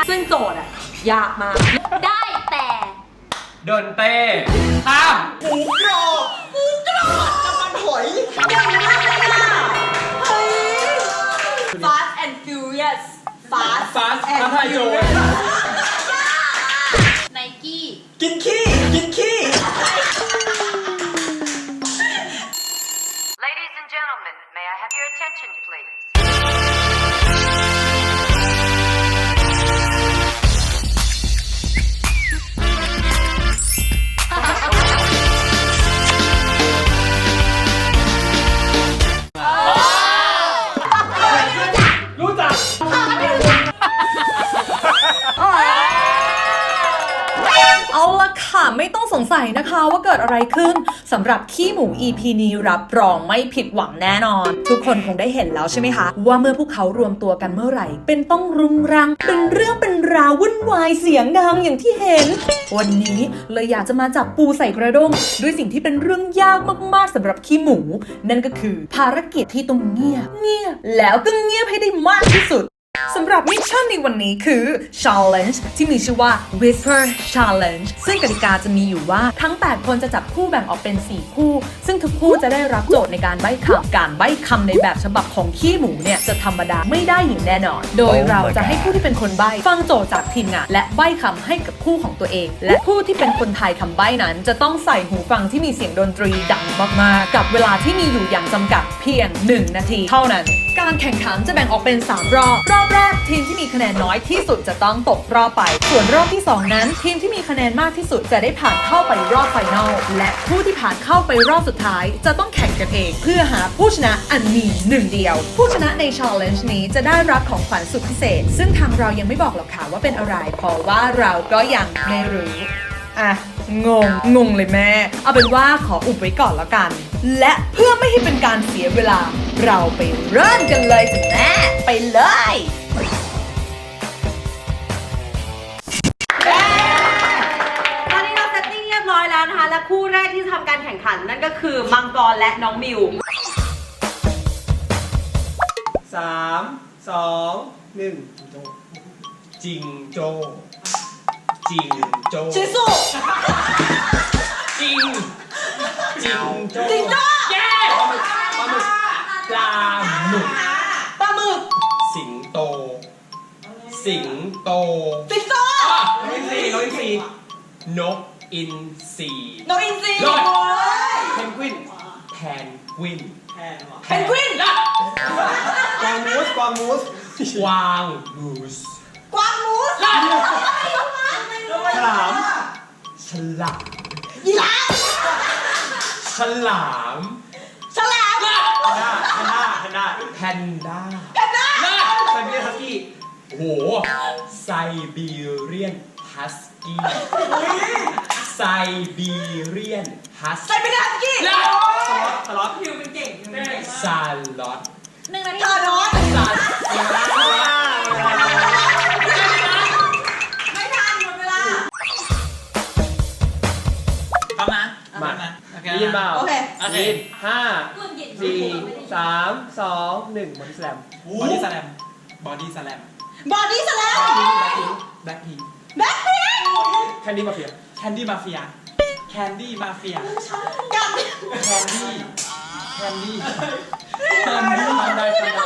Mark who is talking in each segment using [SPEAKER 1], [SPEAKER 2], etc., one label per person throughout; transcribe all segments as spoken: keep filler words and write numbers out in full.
[SPEAKER 1] ซึ่งโจทย์อะยากมากได้แต่
[SPEAKER 2] โดนเต้ข้าม
[SPEAKER 3] หมูกรอบหมูกรอบน้ำมันหอย
[SPEAKER 1] เก่งมากเลยอ่ะเฮ้ย Fast and Furious Fast
[SPEAKER 2] Fast ท้าทายโจร
[SPEAKER 1] Nike
[SPEAKER 3] กินขี้กินขี้
[SPEAKER 4] Ladies and gentlemen, may I have your attention, please?
[SPEAKER 2] รู้จัก
[SPEAKER 5] เอาละค่ะไม่ต้องสงสัยนะคะว่าเกิดอะไรขึ้นสำหรับขี้หมู อี พี นี้รับรองไม่ผิดหวังแน่นอนทุกคนคงได้เห็นแล้วใช่ไหมคะว่าเมื่อพวกเขารวมตัวกันเมื่อไหร่เป็นต้องรุงรังเป็นเรื่องเป็นราววุ่นวายเสียงดังอย่างที่เห็นวันนี้เลยอยากจะมาจับปูใส่กระด้งด้วยสิ่งที่เป็นเรื่องยากมากๆสำหรับขี้หมูนั่นก็คือภารกิจที่ต้องเงียบเงียบแล้วก็เงียบให้ได้มากที่สุดสำหรับมิชชั่นในวันนี้คือ Challenge ที่มีชื่อว่า Whisper Challenge ซึ่งกติกาจะมีอยู่ว่าทั้งแปดคนจะจับคู่แบ่งออกเป็นสี่คู่ซึ่งทุกคู่จะได้รับโจทย์ในการใบ้คำการใบ้คำในแบบฉบับของขี้หมูเนี่ยจะธรรมดาไม่ได้อย่างแน่นอนโดยเราจะให้ผู้ที่เป็นคนใบ้ฟังโจทย์จากทีมงานและใบ้คำให้กับคู่ของตัวเองและผู้ที่เป็นคนทายคำใบ้นั้นจะต้องใส่หูฟังที่มีเสียงดนตรีดังมากๆกับเวลาที่มีอยู่อย่างจำกัดเพียงหนึ่งนาทีเท่านั้นการแข่งขันจะแบ่งออกเป็นสามรอบรอบแรกทีมที่มีคะแนนน้อยที่สุดจะต้องตกรอบไปส่วนรอบที่สองนั้นทีมที่มีคะแนนมากที่สุดจะได้ผ่านเข้าไปรอบไฟนอลและผู้ที่ผ่านเข้าไปรอบสุดท้ายจะต้องแข่งกันเองเพื่อหาผู้ชนะอันมีหนึ่งเดียวผู้ชนะใน Challenge นี้จะได้รับของขวัญสุดพิเศษซึ่งทางเรายังไม่บอกหรอกค่ะว่าเป็นอะไรเพราะว่าเราก็ยังไม่รู้อ่ะงงงงเลยแม่เอาเป็นว่าขออุบไว้ก่อนแล้วกันและเพื่อไม่ให้เป็นการเสียเวลาเราไปเริ่มกันเลยจ้ะแม่ไปเลย
[SPEAKER 1] ตอนนี้เราเซตติ้งเรียบร้อยแล้วนะคะและคู่แรกที่ทำการแข่งขันนั่นก็คือมังกรและน้องมิว
[SPEAKER 2] สามสองหนึ่งจิงโจ้จิงโจ้
[SPEAKER 1] ชิสุ
[SPEAKER 2] จิงจิงโจ้
[SPEAKER 1] จิงโจ้
[SPEAKER 2] เย้ปลาหมึกปลาหมึก
[SPEAKER 1] ปลาหมึก
[SPEAKER 2] สิงโตสิงโต
[SPEAKER 1] สิงโต
[SPEAKER 2] นกอินทรีนกอินทรีนกอินทรี
[SPEAKER 1] นกอินทรี
[SPEAKER 2] รอดเพนกวินแพนกวิน
[SPEAKER 1] เพนกวิน
[SPEAKER 3] กวางมูสกวางมูส
[SPEAKER 2] กวางมูส
[SPEAKER 1] กวางมูส
[SPEAKER 3] ฉลาม
[SPEAKER 2] ฉลาม
[SPEAKER 1] ยีราฟ
[SPEAKER 2] ฉลาม
[SPEAKER 1] ฉลาม
[SPEAKER 3] แพนด้าแพนด้าแพนด้า
[SPEAKER 2] แพนด้า
[SPEAKER 1] แพนด้า
[SPEAKER 3] ไซบีเรียนฮัสกี้
[SPEAKER 2] โอ้โหไซบีเรียนฮัสกี้ไซบีเรียนฮัส
[SPEAKER 1] ใส่เป็นฮัสกี้
[SPEAKER 3] สล็อตสล็อต
[SPEAKER 1] พิวเป็นเก่ง
[SPEAKER 2] ซาลอต
[SPEAKER 1] หนึ่งนาทีต่อน้อย
[SPEAKER 2] ซาล
[SPEAKER 1] ไม่ทันหมดเวลา
[SPEAKER 3] พร้อมนะ
[SPEAKER 2] มา
[SPEAKER 3] โอเค
[SPEAKER 2] ได้ยินเปล่า
[SPEAKER 1] โอเค
[SPEAKER 3] โอเค
[SPEAKER 2] ยินห้าสี่สามสองหนึ่งบอดี้สแลม
[SPEAKER 3] บอดี้สแลมบอดี้สแลม
[SPEAKER 1] บอดี้สแลม
[SPEAKER 3] แบ็คพิง
[SPEAKER 1] แบ็คพิง
[SPEAKER 2] แคนดี้มาเฟีย
[SPEAKER 3] แคนดี้มาเฟียแคนดี้มาเฟีย
[SPEAKER 1] กับ
[SPEAKER 3] แคนดี้แคนดี้แคนดี้มาได้ขนาด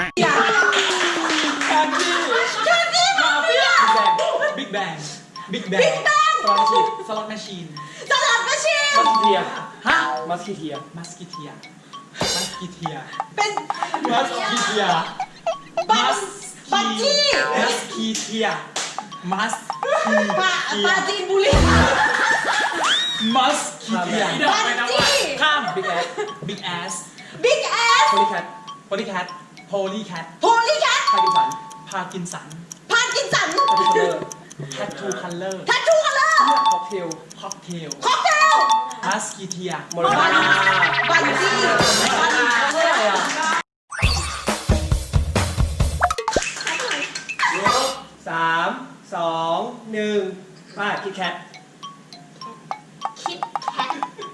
[SPEAKER 3] แคนดี้แคนดี้มาเฟียบิ๊กแบงบิ๊กแบงบิ๊กแบงสล็อตแมชชีนสล็อตแมชชีน
[SPEAKER 1] สลัดกระชี
[SPEAKER 2] มัสเทีย
[SPEAKER 3] ฮะ
[SPEAKER 2] มัสคิเทีย
[SPEAKER 3] มัสกิเทียมัสกิเทีย
[SPEAKER 1] เป็น
[SPEAKER 3] มัสกิเทีย
[SPEAKER 1] บัตบัตจี้
[SPEAKER 3] มัสกิเทียมัสกิ
[SPEAKER 1] ปา
[SPEAKER 3] เทีย
[SPEAKER 1] ปาจีนบุรี
[SPEAKER 3] มัสกิเทีย
[SPEAKER 1] บัตจี้
[SPEAKER 3] ข้ามบิ๊กแอสบิ๊กแอส
[SPEAKER 1] บิ๊กแอส
[SPEAKER 2] โพลีแคท
[SPEAKER 3] โพลีแคทโพลีแคท
[SPEAKER 1] โพลีแคท
[SPEAKER 2] พากินสัน
[SPEAKER 3] พากินสัน
[SPEAKER 1] พากินสัน
[SPEAKER 2] พากินเลอร์
[SPEAKER 3] แทททูคัลเลอร์
[SPEAKER 1] ทัชชูคัลเลอร์
[SPEAKER 2] ค็อกเทล
[SPEAKER 3] ค็อกเทล
[SPEAKER 1] ค็อกเทล
[SPEAKER 3] มัสกิเทีย
[SPEAKER 2] โมโรนา
[SPEAKER 1] บัตจี้
[SPEAKER 2] อะไรอ่ะสามสองหนึ่งมาคิดแคท
[SPEAKER 1] คิดแคท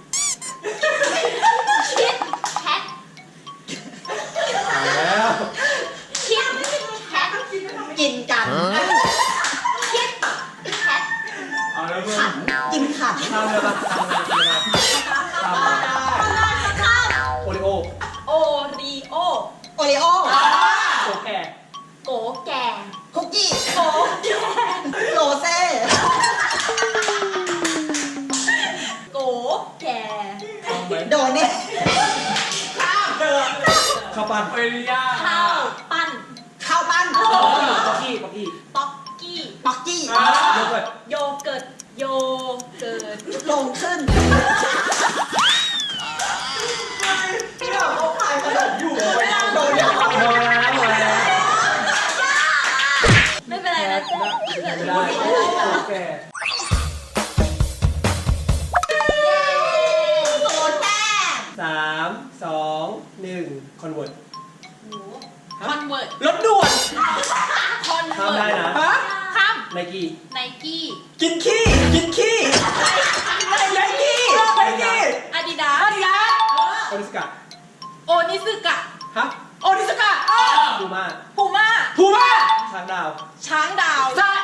[SPEAKER 1] คิดแคท
[SPEAKER 2] เอาแล้ว
[SPEAKER 1] คิดแคทกินกันแก่
[SPEAKER 6] คุกกี้
[SPEAKER 1] โกแก่
[SPEAKER 6] โรเซ่
[SPEAKER 1] โกแก่
[SPEAKER 6] โดเน่
[SPEAKER 2] ข้าวปั้น
[SPEAKER 3] เอริยา
[SPEAKER 1] ข้าวปั้น
[SPEAKER 6] ข้าวปั้น
[SPEAKER 2] ป๊อกกี้ป๊อกกี้
[SPEAKER 1] ป๊อกกี้
[SPEAKER 6] ปักกี้
[SPEAKER 2] โยเกิร์ต
[SPEAKER 1] โยเกิร์ตโยเกิร์ต
[SPEAKER 6] ลงขึ้นเนี่ยเขาขายขนมอยู่โดนเนี่ย
[SPEAKER 2] หมดแล้วหมดแล้ว
[SPEAKER 1] ไม่เป็นไรนะเจ๊
[SPEAKER 2] ไม่ได้โอเค
[SPEAKER 6] โดนแน่
[SPEAKER 2] สามสองหนึ่งคอนเวิร์ต
[SPEAKER 1] คอนเวิร์ต
[SPEAKER 3] รถด่วน
[SPEAKER 1] คอน
[SPEAKER 2] ข้าม
[SPEAKER 1] เวิ
[SPEAKER 2] ได้
[SPEAKER 1] ร์ต
[SPEAKER 2] นะ
[SPEAKER 3] ฮะ
[SPEAKER 1] ข้าม
[SPEAKER 2] ไนกี้
[SPEAKER 1] ไนกี้
[SPEAKER 3] กินขี้กินขี้ไนกี้ไนกี้
[SPEAKER 1] อาดิดา
[SPEAKER 3] อาดิดาส
[SPEAKER 2] โอนิสกะ
[SPEAKER 1] โอนิซึกะ
[SPEAKER 2] ฮะ
[SPEAKER 3] โอนิสกะ
[SPEAKER 2] ดูมา
[SPEAKER 1] พูม่า
[SPEAKER 3] พูม่า
[SPEAKER 2] ช้างดาว
[SPEAKER 1] ช้างดาว
[SPEAKER 3] ซา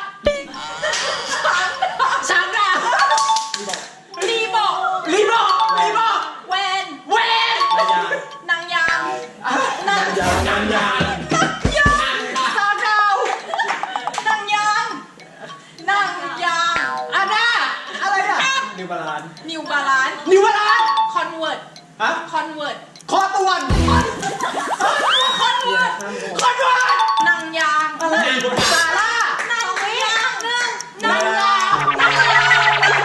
[SPEAKER 3] ช้างดาว
[SPEAKER 1] รีบอก
[SPEAKER 3] รีบอกรีบอก
[SPEAKER 1] แวน
[SPEAKER 3] เวน
[SPEAKER 2] นายยาง
[SPEAKER 1] นางยาง
[SPEAKER 2] นายยางนายยาง
[SPEAKER 1] ยางช้างดาวนางยางนางยาง
[SPEAKER 3] อาด้าอะไรอ่ะ
[SPEAKER 2] นิวบาลาน
[SPEAKER 1] นิวบาลาน
[SPEAKER 3] นิววาลาน
[SPEAKER 1] คอนเวิร์ต
[SPEAKER 2] ฮะ
[SPEAKER 1] คอนเวิร์ต
[SPEAKER 3] คอตวน
[SPEAKER 1] คอนเวิร์ต
[SPEAKER 3] คอนวน
[SPEAKER 1] นางยาง
[SPEAKER 3] อะไรซาร่าน
[SPEAKER 1] างยางหนึ่งนางยางนางยาง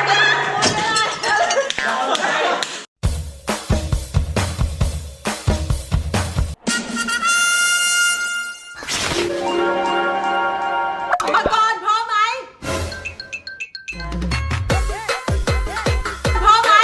[SPEAKER 1] มังกรพร้อมไหมพร้อมไหม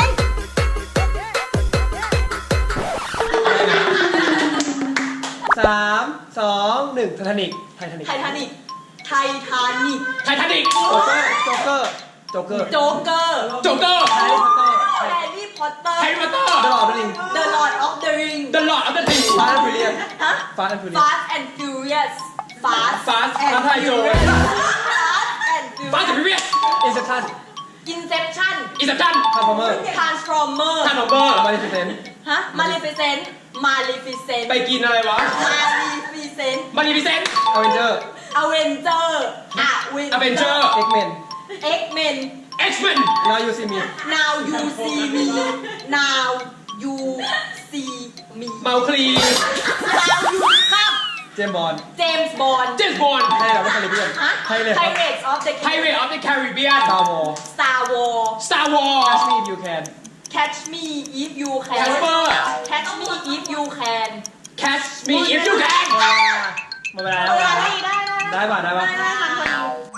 [SPEAKER 2] สามสองหนึ่งไททานิกไททานิก
[SPEAKER 1] ไททานิกไททานิก
[SPEAKER 3] ไททานิก
[SPEAKER 2] โจ๊กเกอร์โจ๊กเกอร์โจ๊กเกอร์
[SPEAKER 1] โจ๊กเกอร์
[SPEAKER 3] โจ๊กเกอร์
[SPEAKER 2] แฮร์รี่พอตเตอร์
[SPEAKER 1] แฮร์รี่พอตเตอร์
[SPEAKER 3] แฮร์รี่พอตเตอร์
[SPEAKER 2] ตลอดเลย
[SPEAKER 1] The Lord of the Ring
[SPEAKER 3] The Lord of the Rings
[SPEAKER 2] ฟาสต์แอนด์ฟิเลียน
[SPEAKER 1] ฮะ
[SPEAKER 2] ฟาสต์แอนด์ฟิเลียน
[SPEAKER 1] Fast and Furious Fast
[SPEAKER 3] Fast
[SPEAKER 1] and
[SPEAKER 3] Fast and
[SPEAKER 1] Furious
[SPEAKER 3] Furious
[SPEAKER 1] Fast and
[SPEAKER 3] ฟาสต์
[SPEAKER 1] Furious
[SPEAKER 3] พิเวียส
[SPEAKER 2] อินเซปชั่น
[SPEAKER 1] Inception
[SPEAKER 3] อิสตัน
[SPEAKER 2] ทาร์ฟอร์เมอร์
[SPEAKER 1] Transformer
[SPEAKER 3] ทานอเบอร์
[SPEAKER 2] มาริฟิเซน
[SPEAKER 1] ฮะ Maleficent Maleficent
[SPEAKER 3] ไปกินอะไรวะ
[SPEAKER 1] Maleficent
[SPEAKER 3] มารีพิเซนต์
[SPEAKER 2] อเวนเจอร์
[SPEAKER 1] Avenger
[SPEAKER 3] Avenger
[SPEAKER 2] เอ็กเมน
[SPEAKER 1] X-Men
[SPEAKER 3] X-Men
[SPEAKER 2] Now You See Me
[SPEAKER 1] Now you see me Now you see me
[SPEAKER 3] เมาคลี
[SPEAKER 1] Now you ข้าม
[SPEAKER 2] เจมส์บอนด์
[SPEAKER 1] James Bond
[SPEAKER 3] เจมส์บอนด์
[SPEAKER 2] ให้เราไม่คาริเบียน
[SPEAKER 1] ฮะ
[SPEAKER 2] ให้เลย
[SPEAKER 1] Pirates of the
[SPEAKER 3] Pirate of the Caribbean
[SPEAKER 2] ซาวอร์
[SPEAKER 1] Star Wars
[SPEAKER 3] Star
[SPEAKER 2] Catch
[SPEAKER 3] Wars
[SPEAKER 2] Me If You Can
[SPEAKER 1] Catch me if you can
[SPEAKER 3] Casper
[SPEAKER 1] Catch me if you can
[SPEAKER 3] Catch me if you can
[SPEAKER 2] หมดเวลาหมดเวลา
[SPEAKER 1] ได้ได้ได้
[SPEAKER 2] ได้ป่ะได้ป่ะ
[SPEAKER 1] ได้ได้ทันคน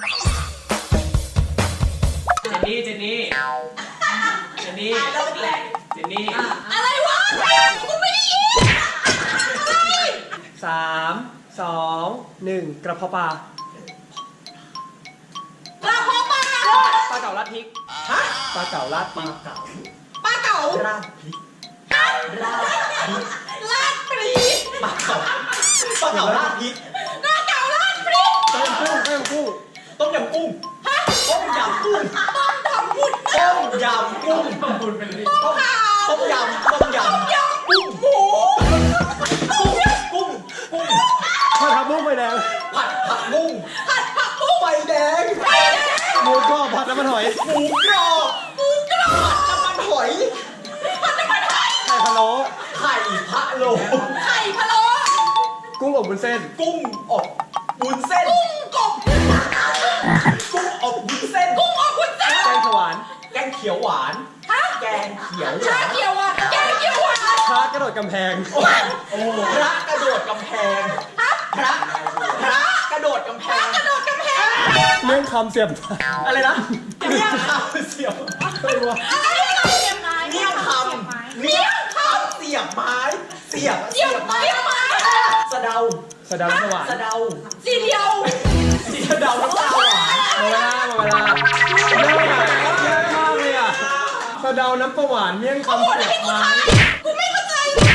[SPEAKER 1] เดียว
[SPEAKER 3] เจนนี่เจนนี่เจนนี่เจนนี่
[SPEAKER 1] อะไรวะกูไม่ได้ยินอะไร
[SPEAKER 2] สามสองหนึ่งกระเพาะปลา
[SPEAKER 1] ปลาพอปลา
[SPEAKER 2] ปลาเก๋าลัดพริกฮะปลาเก๋าลัดพริก
[SPEAKER 1] ปลาเก๋า
[SPEAKER 2] ราดพริก
[SPEAKER 1] ลาดปรี
[SPEAKER 2] ปลาเก๋าปลาเก๋าราดพริก
[SPEAKER 1] ปลาเก๋าลาดปรี
[SPEAKER 2] ต้มกุ้งต้มกุ้ง
[SPEAKER 6] ต้มยำกุ้ง
[SPEAKER 1] ต้มทำบุญ
[SPEAKER 6] ต้มยำกุ้ง
[SPEAKER 3] ต้มบุญเป็นเลย
[SPEAKER 1] ต้มข่าว
[SPEAKER 6] ต้มยำต้มยำ
[SPEAKER 1] ยำกุ้งหมู
[SPEAKER 6] กุ้งกุ้งกุ้ง
[SPEAKER 2] ข้าวทับมุ้งไฟแดง
[SPEAKER 6] ผัดผักบุ้ง
[SPEAKER 1] ผัดผักบุ้ง
[SPEAKER 6] ไฟแดง
[SPEAKER 1] ไฟแดง
[SPEAKER 2] หมูกรอบผัดน้ำมันหอย
[SPEAKER 6] หมูกรอบ
[SPEAKER 1] หมูกรอบ
[SPEAKER 6] น้ำมันหอย
[SPEAKER 1] ผัดน้ำมันหอย
[SPEAKER 2] ไข่พะโล้
[SPEAKER 6] ไข่พะโล้
[SPEAKER 1] ไข่พะโล้
[SPEAKER 2] กุ้งอบวุ้นเส้น
[SPEAKER 6] กุ้งอบวุ้นเส้น
[SPEAKER 1] กุ้งกบ
[SPEAKER 6] กุ้งอบวุ้นเส้น
[SPEAKER 1] กุ้งอบวุ้นเส้น
[SPEAKER 2] แกงสวาน
[SPEAKER 6] แกงเขียวหวาน
[SPEAKER 1] ฮะ
[SPEAKER 6] แกงเขียวห
[SPEAKER 1] ชาว
[SPEAKER 6] าน
[SPEAKER 1] เขียวอ่ะแกงเขียวหวาน
[SPEAKER 2] พระกระโดดกำแพง
[SPEAKER 6] โอ้โหพระกระโดดกำแพง พระพระกระโดดกำแพง
[SPEAKER 1] กระโดดกำแพง
[SPEAKER 2] เรื่องคำเสียบ
[SPEAKER 6] อะไรนะเมี่ยงคำเสียบ
[SPEAKER 2] อะไรวะ
[SPEAKER 1] อะไรเราเสียบไม้
[SPEAKER 6] เมี่ยงคำเมี่ยงคำเสียบไม้ เสียบ
[SPEAKER 1] เสียบไม้ไม้
[SPEAKER 6] สะเดา
[SPEAKER 2] สะเดาสวาน
[SPEAKER 6] สะเดา
[SPEAKER 1] สีเดียว
[SPEAKER 6] สะเดาน้ำตาหวาน
[SPEAKER 2] หมดเวลาหมดเวลาเยอะอะเยอะมากเลยอ่ะสะเดาน้ำประหวานเมี่ยงคำเสียบไม้
[SPEAKER 1] กูไม่เข้าใจ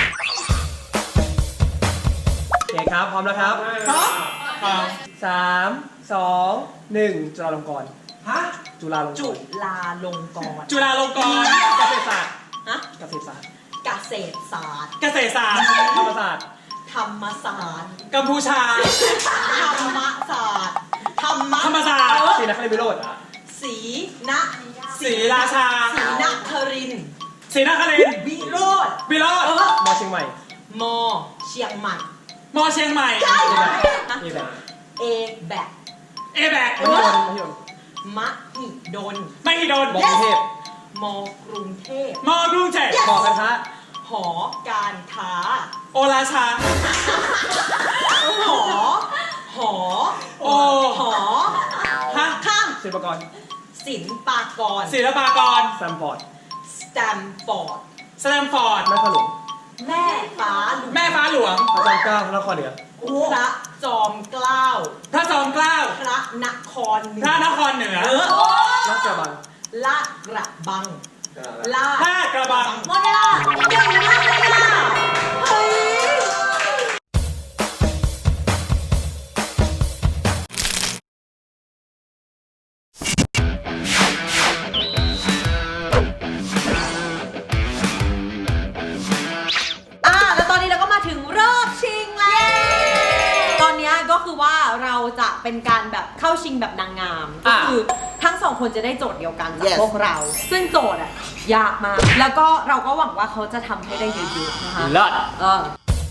[SPEAKER 2] โอเคครับพร้อมแล้วครับ
[SPEAKER 6] ครับ
[SPEAKER 2] สามสองหนึ่งจุฬาลงกรณ์
[SPEAKER 6] ฮะ
[SPEAKER 2] จุฬาลงก
[SPEAKER 6] จุ
[SPEAKER 2] รณ์
[SPEAKER 6] ฬาลงกรณ์
[SPEAKER 3] จุฬาลงกรณ์
[SPEAKER 2] เกษตรศาสตร์
[SPEAKER 1] ฮะ
[SPEAKER 2] เกษตรศาสตร์
[SPEAKER 1] เกษตรศาสตร์
[SPEAKER 3] เกษตรศาสตร์
[SPEAKER 2] ธรรมศาสตร์
[SPEAKER 1] ธ
[SPEAKER 6] ธรรมศาสตร์
[SPEAKER 3] กัมพูชา
[SPEAKER 6] ธรรมศาสตร์ธรรม
[SPEAKER 3] ธรรมศาสตร์
[SPEAKER 2] ศรีนครินทร์วิโรจน์อ่ะ
[SPEAKER 6] ศรีน
[SPEAKER 3] ศรีราชา
[SPEAKER 6] ศรีนครินทร์
[SPEAKER 3] ศรีนครินทร์
[SPEAKER 6] วิโรจน์
[SPEAKER 3] วิโรจน์
[SPEAKER 6] เออ
[SPEAKER 2] มอเชียงใหม่
[SPEAKER 6] มอเชียงใหม่
[SPEAKER 3] มอเชียงใหม่
[SPEAKER 6] ใช่
[SPEAKER 2] มีแบบ
[SPEAKER 6] เอแบก
[SPEAKER 3] เอแบก
[SPEAKER 2] มหิดลมหิดล
[SPEAKER 6] มหิดล
[SPEAKER 3] ไม่ฮิโดน
[SPEAKER 2] บอกกรุงเทพ
[SPEAKER 6] มกรุงเทพ
[SPEAKER 3] มอกรุงเทพ
[SPEAKER 2] บอกกันทะ
[SPEAKER 6] หอการค้า
[SPEAKER 3] โอราชา
[SPEAKER 6] หอ หอ
[SPEAKER 3] โอ้
[SPEAKER 6] หอ
[SPEAKER 3] ฮะ
[SPEAKER 6] ข้าม
[SPEAKER 2] ศิลปากร
[SPEAKER 6] ศิลปากร
[SPEAKER 3] ศิลปากร
[SPEAKER 2] แซมฟอร์ด
[SPEAKER 6] สแตมฟอร์ด
[SPEAKER 3] สแตมฟอร์ด
[SPEAKER 2] แม่ขลุง
[SPEAKER 6] แม่ฟ้าหลวง
[SPEAKER 3] แม่ฟ้าหลวง
[SPEAKER 2] พระจอมเกล้าพระนครเหนือ
[SPEAKER 6] พระจอมเกล้า
[SPEAKER 3] พระจอมเกล้า
[SPEAKER 6] พระนครเหนื
[SPEAKER 3] พระ
[SPEAKER 6] อน
[SPEAKER 3] ครเหนือ
[SPEAKER 6] เออ
[SPEAKER 2] รักกระบัง
[SPEAKER 6] ลาดกระบังลาด
[SPEAKER 3] ลาดกระบัง
[SPEAKER 1] หมดเวลาเก่งมากเลยอ่ะเฮ้ยอ่ะแล้วตอนนี้เราก็มาถึงรอบชิงแล้ว ตอนนี้ก็คือว่าเราจะเป็นการแบบเข้าชิงแบบนางงาม ก็คือทั้งสองคนจะได้โจทย์เดียวกันจาก
[SPEAKER 6] Yes
[SPEAKER 1] พวกเรา ซึ่งโจทย์อ่ะยากมาก แล้วก็เราก็หวังว่าเขาจะทำให้ได้เยอะๆนะคะ
[SPEAKER 2] เลิศ
[SPEAKER 1] เออ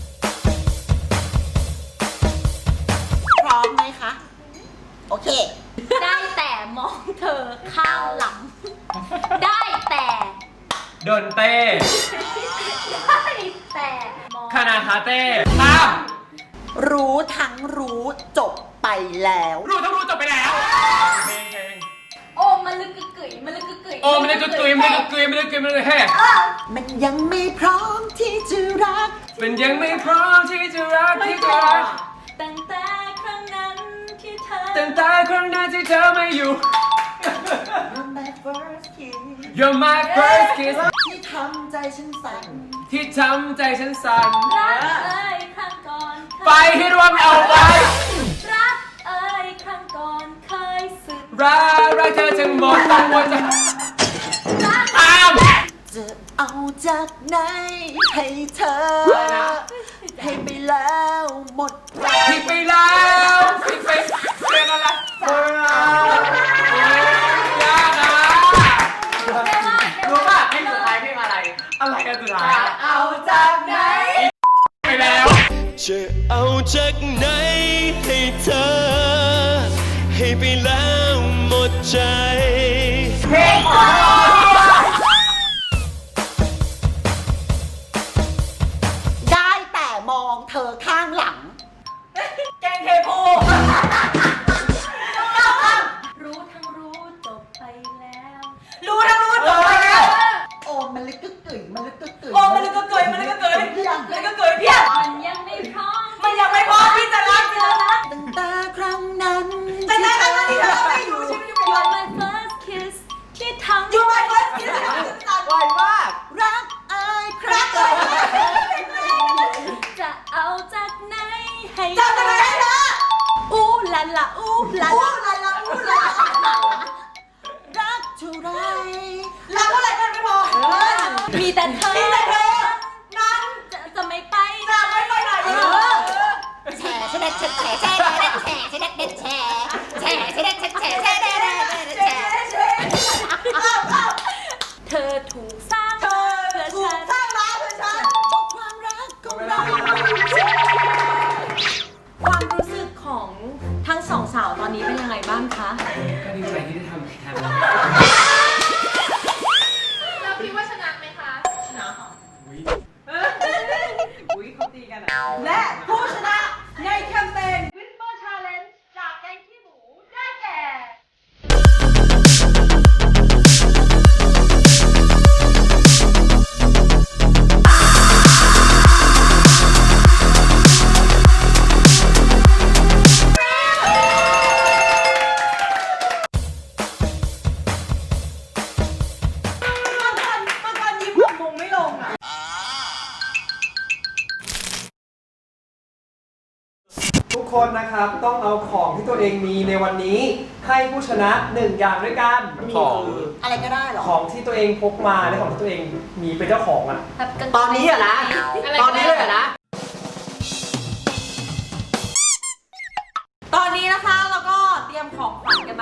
[SPEAKER 6] พร้อมไหมคะ โอเค
[SPEAKER 7] ได้แต่มองเธอข้างหลัง ได้แต่
[SPEAKER 2] โดนเต้
[SPEAKER 7] ได้แต่มอง
[SPEAKER 2] คณะคาเต้ข้าม
[SPEAKER 6] รู้ทั้งรู้จบไปแล้ว
[SPEAKER 2] รู้ต้องรู้จบไปแล้วเพลงเพลง
[SPEAKER 7] โอ้มันลึกกึกกึ๋ยมันลึกกึกกึ๋ย
[SPEAKER 2] โอ้มันเลยกึกกึยมันเลยกึกกึยมันเลยกึกกึยมันเลยแฮ่
[SPEAKER 6] มันยังไม่พร้อมที่จะรัก
[SPEAKER 2] มันยังไม่พร้อมที่จะรักที่จะรัก
[SPEAKER 7] ตั้งแต่ครั้งนั้นที่เธอ
[SPEAKER 2] ตั้งแต่ครั้งนั้นที่เธอไม่อยู่
[SPEAKER 6] You're my first kiss
[SPEAKER 2] You're my first kiss
[SPEAKER 6] ที่ทำใจฉันสั่น
[SPEAKER 2] ที่ทำใจฉันสั่น
[SPEAKER 7] รักเอ้ยครั้งก่อน
[SPEAKER 2] ไปให้รวมเอาไว้
[SPEAKER 7] รักเอ้ยครั้งก่อนเคยสึก
[SPEAKER 2] รักรักเธอทั้งหมดทั้งมวลจะ
[SPEAKER 7] รัก
[SPEAKER 2] ข้าม
[SPEAKER 6] จะเอาจากไหนให้เธอ ให้ไปแล้วหมดแรง
[SPEAKER 2] ผิดไปแล้วผิดไปเรื่องอะไรโอ้ยยากอ่ะรู้ป่ะเพลงสุดท้ายเพลงอะไร อะไรกันสุดท้าย
[SPEAKER 6] เอาจากไหน
[SPEAKER 2] ไปแล้ว
[SPEAKER 8] จะเอาจากไหนให้เธอ ให้ไปแล้วหมดใจ
[SPEAKER 6] ได้แต่มองเธอข้างหลัง
[SPEAKER 1] แกงเทโพ
[SPEAKER 7] รู้ทั้งรู้จบไปแล้ว
[SPEAKER 1] รู้นะรู้จบไปแล้ว
[SPEAKER 6] โอ้มันลึกกึกกึ๋ยมันลึกกึกกึ๋ย
[SPEAKER 1] โอ้มันเลยก็เกยมันเลยก็เกยมันเลยก็เกยเพี้ย
[SPEAKER 7] มันยังไม่พร้อม
[SPEAKER 1] มันยังไม่พอที่จะรักเธอนะ
[SPEAKER 6] ตั้งแต่ครั้งนั้น
[SPEAKER 1] แต่ในขณะที่เธอไม่อยู่ชีวิตอยู่
[SPEAKER 7] You're my first kiss ที่ทำ
[SPEAKER 1] อยู่ไปเฟิร์สคิสที่ทำให้ฉันสั่น
[SPEAKER 6] ไวมาก รักเอ้ยค
[SPEAKER 1] รั
[SPEAKER 6] รั
[SPEAKER 1] ก
[SPEAKER 6] ก
[SPEAKER 1] เล
[SPEAKER 6] เอ้
[SPEAKER 1] ย
[SPEAKER 6] ย
[SPEAKER 7] จะเอาจากไหนให้
[SPEAKER 1] จำจะไปได้นะ
[SPEAKER 7] อู้ลาลาอู้ลา
[SPEAKER 1] อู้
[SPEAKER 7] ลา
[SPEAKER 1] ลาลาอู้ลา
[SPEAKER 6] รักเท่าไร
[SPEAKER 1] รักเท่าไหร่ก็ไม่พอ
[SPEAKER 7] มีแต่เธอ
[SPEAKER 1] มีแต่เธอนั้น
[SPEAKER 7] จะจะไม่ไป
[SPEAKER 1] จะไม่ไปไหนเออ
[SPEAKER 7] แฉแฉแฉแฉแฉแฉแฉแฉแฉแฉแฉแฉแฉแฉแฉแฉแฉเธอถูกสร้าง
[SPEAKER 1] เธอ
[SPEAKER 7] เพื่อ
[SPEAKER 1] ถู
[SPEAKER 7] ฉั
[SPEAKER 1] ก
[SPEAKER 7] น
[SPEAKER 1] สร้างมาเพื่อฉัน
[SPEAKER 6] บอกความรักของเรา
[SPEAKER 1] ความรู้สึกของทั้งสองสาวตอนนี้เป็นยังไงบ้างคะ
[SPEAKER 2] ก็ดีใจที่ได้ทำแทน
[SPEAKER 7] เราคิดว่าชนะไหมคะ
[SPEAKER 1] อุ้ยเขาตีกันอะและผู้ชนะในแคมเปญ Whisper Challenge จากแกงขี้หมูได้แก่ มันกันมันกันยิ้มแบบมงไม่ลงอ่ะ
[SPEAKER 9] ทุกคนนะครับต้องเอาของที่ตัวเองมีในวันนี้ให้ผู้ชนะหนึ่งอย่างด้วยกัน
[SPEAKER 2] ของ
[SPEAKER 6] อะไรก็ได้เหรอ
[SPEAKER 9] ของที่ตัวเองพกมาและของที่ตัวเองมีเป็นเจ้าของอ่ะ
[SPEAKER 7] แบบกางเกง
[SPEAKER 6] ตอนนี้อะนะ ตอนนี้เลยอะนะ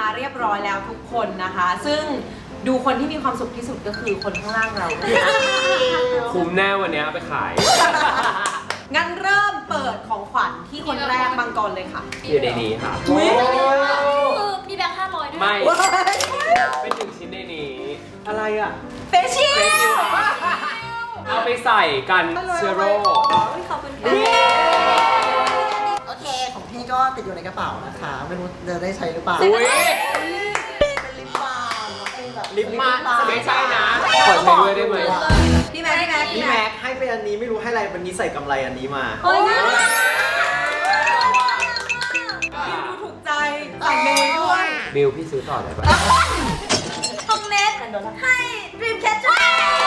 [SPEAKER 1] เรียบร้อยแล้วทุกคนนะคะ ซึ่งดูคนที่มีความสุขที่สุดก็คือคนข้างล่างเรา
[SPEAKER 2] คุ้มแน่วันนี้เอาไปขาย
[SPEAKER 1] งั้นเริ่มเปิดของขวัญที่คนแรกมังกรเลยค่ะ
[SPEAKER 2] อยู่ในนี้ค่ะ
[SPEAKER 7] คือมีแบงค์ห้าร้อยด้วย
[SPEAKER 2] ไม่ เป็นหนึ่งชิ้นในนี้
[SPEAKER 9] อะไรอ่ะ
[SPEAKER 1] เฟชชิ่ล
[SPEAKER 2] เอาไปใส่กันเชื้อโรค
[SPEAKER 1] ขอบคุณค่ะ
[SPEAKER 6] โอเค ของพี่ก็ติดอยู่ในกระเป๋านะคะ ไม่รู้จะได้ใช้หรือเปล่า
[SPEAKER 2] อุ้ย
[SPEAKER 6] เป็นลิปบาล์มเป็นแบบ
[SPEAKER 2] ลิปมันไม่ใช่นะ ขอใช้ด้วยได้ไหม
[SPEAKER 1] พี่แม็กพี่แม็ก
[SPEAKER 6] พี่แม็กให้เป็นอันนี้ไม่รู้ให้อะไรวันนี้ใส่กำไรอันนี้มา
[SPEAKER 7] เฮ้ยน่ารัก
[SPEAKER 1] พี่ดูถูกใจสั่งเมย์ด้วย
[SPEAKER 2] บิลพี่ซื้อต่อได้ปะ
[SPEAKER 7] ของเน็ตให้ Dream Catcher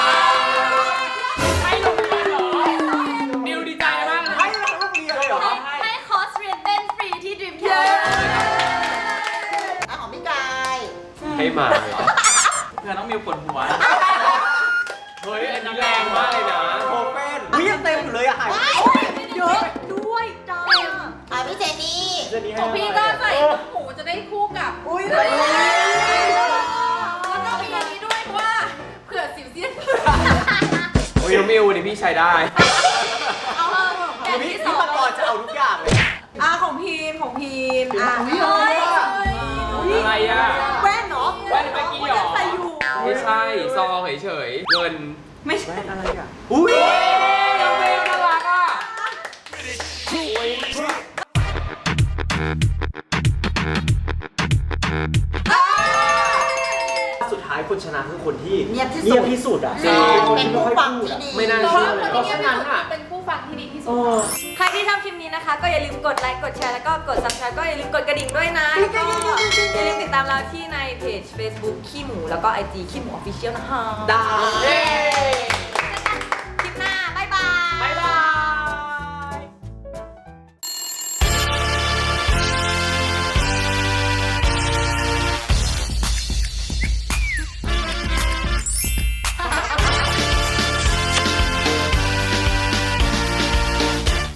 [SPEAKER 2] ให้โรงเรียนเหรอบิลดีใจมากเลย
[SPEAKER 9] ให้เราลูกเรียนเลยเหรอ
[SPEAKER 7] ให้คอร์สเรียนเต้นฟรีที่ Dream Catcher
[SPEAKER 6] อ่ะของพี่กาย
[SPEAKER 2] ให้มาเหรอ
[SPEAKER 3] เพื่อนน้องมิวปวดหัว
[SPEAKER 2] เฮ้ย อันนี้แรงมากเลยนะ
[SPEAKER 9] โคเฟนเฮ้ยยังเต็มอยู่เลยอะหายไป
[SPEAKER 1] เยอะด้วยจ้า
[SPEAKER 6] อ่ะพี่เจนี่
[SPEAKER 9] เดือนนี้ให้
[SPEAKER 7] ของพี่ก็ใส่หมูจะได้คู่กับ
[SPEAKER 1] อุ้ย
[SPEAKER 7] แล้วก็มีอันนี้ด้วยเพราะว่าเผื่อสิวเซียน
[SPEAKER 2] โอ้ยน้องมิวนี่พี่ใช้ได้
[SPEAKER 7] เอาอย่าง
[SPEAKER 9] พี่
[SPEAKER 7] ที่ส
[SPEAKER 9] พี่
[SPEAKER 7] อง
[SPEAKER 9] มังกรจะเอาทุกอย่างเลย
[SPEAKER 1] อ่ะของพีมของพีมอ่ะ
[SPEAKER 7] เฮ้ย
[SPEAKER 2] อะไรอ่ะ
[SPEAKER 1] แว่นเนาะ
[SPEAKER 2] แว่นเมื่อกี้เหรอ
[SPEAKER 1] ใส่อยู่
[SPEAKER 2] ไม่ใช่ ซองเฉยๆ เงิน
[SPEAKER 1] ไม่ใช่
[SPEAKER 9] อะไรอ่ะ อุ้ย
[SPEAKER 2] น้องมิวน่ารักอ่ะ
[SPEAKER 9] สุดท้ายคนชนะคือคนที่
[SPEAKER 6] เงียบที่สุด
[SPEAKER 9] เงียบที่สุดอ่ะ
[SPEAKER 2] จริง
[SPEAKER 6] เป็นผู้ฟังที่ดี
[SPEAKER 2] ไม่น่า
[SPEAKER 7] เพราะ
[SPEAKER 2] เชื่อ
[SPEAKER 7] ว่า
[SPEAKER 2] เลย
[SPEAKER 7] คนที่เงียบที่สุดเป็นผู้ฟังที่ดีที่สุด ใครที่ชอบคลิปนี้นะคะ ก็อย่าลืมกดไลค์ กดแชร์ แล้วก็กด subscribe ก็อย่าลืมกดกระดิ่งด้วยนะ แล้วก็อย่าลืมติดตามเราที่ในเพจ Facebook ขี้หมู แล้วก็ ไอ จี ขี้หมู Official นะคะ
[SPEAKER 9] ได้
[SPEAKER 2] เย้